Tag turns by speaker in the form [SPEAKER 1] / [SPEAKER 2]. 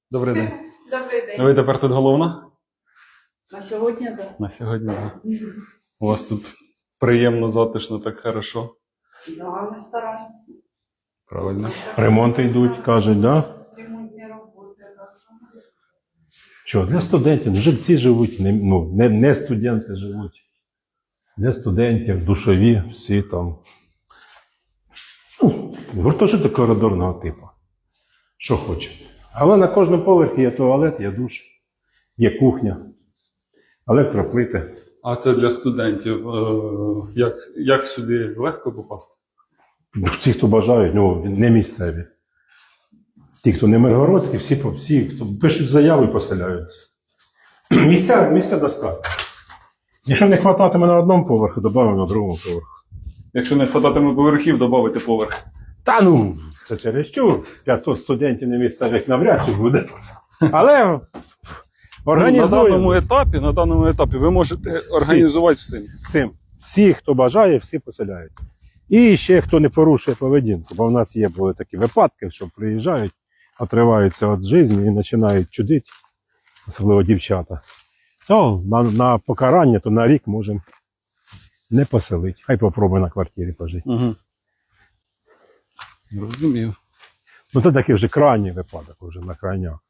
[SPEAKER 1] Добрий день.
[SPEAKER 2] Добрий день.
[SPEAKER 1] Ви тепер тут головна?
[SPEAKER 2] На сьогодні, так.
[SPEAKER 1] На сьогодні, так. У вас тут приємно, затишно, так хорошо.
[SPEAKER 2] Да, ми стараємося.
[SPEAKER 1] Правильно.
[SPEAKER 3] Ремонти йдуть, кажуть, да?
[SPEAKER 2] Ремонтні роботи, так.
[SPEAKER 3] Що, для студентів, жильці живуть, не студенти живуть. Для студентів, душові, всі там. Гуртожиток коридорного типу. Що хочуть. Але на кожному поверхі є туалет, є душ, є кухня, електроплити.
[SPEAKER 1] А це для студентів. Як сюди легко попасти?
[SPEAKER 3] Ті, хто бажають, не місцеві. Ті, хто не миргородські, всі, хто пишуть заяву і поселяються. Місця достатньо. Якщо не вистачатиме на одному поверху, додамо на другому поверху.
[SPEAKER 1] Якщо не хвататиме поверхів, додати поверх.
[SPEAKER 3] Це через що? 500 студентів не місцевих навряд чи буде. Але організуємо
[SPEAKER 1] На даному етапі ви можете організувати всім.
[SPEAKER 3] всім. Всі, хто бажає, всі поселяються. І ще хто не порушує поведінку, бо в нас були такі випадки, що приїжджають, отриваються від життя і починають чудити, особливо дівчата. То на покарання, то на рік можемо не поселити. Хай попробує на квартирі пожити.
[SPEAKER 1] Угу. Розумію.
[SPEAKER 3] Це такий вже крайній випадок, вже на крайняк.